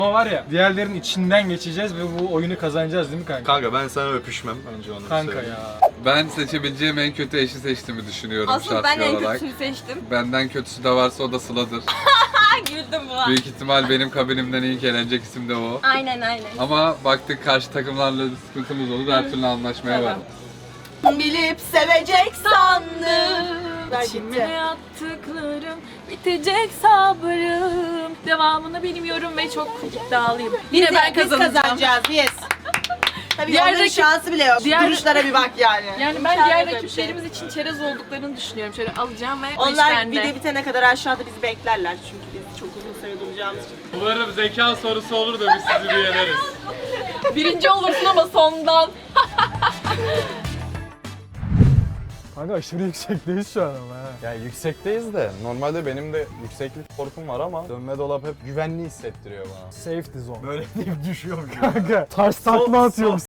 Ama var ya, diğerlerinin içinden geçeceğiz ve bu oyunu kazanacağız değil mi kanka? Kanka ben sana öpüşmem önce onu Kanka söyleyeyim. ya. Ben seçebileceğim en kötü eşi seçtiğimi düşünüyorum Aslında ben şahsi en olarak. kötüsünü seçtim. Benden kötüsü de varsa o da Sıla'dır. Güldüm buna. Büyük ihtimal benim kabinimden ilk eğlenecek isim de o. Aynen. Ama baktık karşı takımlarla sıkıntımız olur, her türlü anlaşmaya var. Bilip sevecek sandım. İçime yaptıklarım bitecek sabrım. Devamını bilmiyorum ve çok iddialıyım. Yine ben kazanacağım. Kazanacağız biz. Tabii Diğer onların rakip- şansı bile yok. diğer- Duruşlara bir bak yani. Yani ben diğer rakiplerimiz için çerez olduklarını düşünüyorum. Şöyle alacağım ve o iş Onlar bende. video bitene kadar aşağıda bizi beklerler çünkü biz çok uzun süre duracağımız için. Umarım zeka sorusu olur da biz sizi bir yeneriz. Birinci olursun ama sondan. Kanka aşırı yüksekteyiz şu an ama ha. Ya yüksekteyiz de normalde benim de yükseklik korkum var ama dönme dolap hep güvenli hissettiriyor bana. Safety zone. Böyle deyip düşüyorum. Kanka taş takma atıyormuş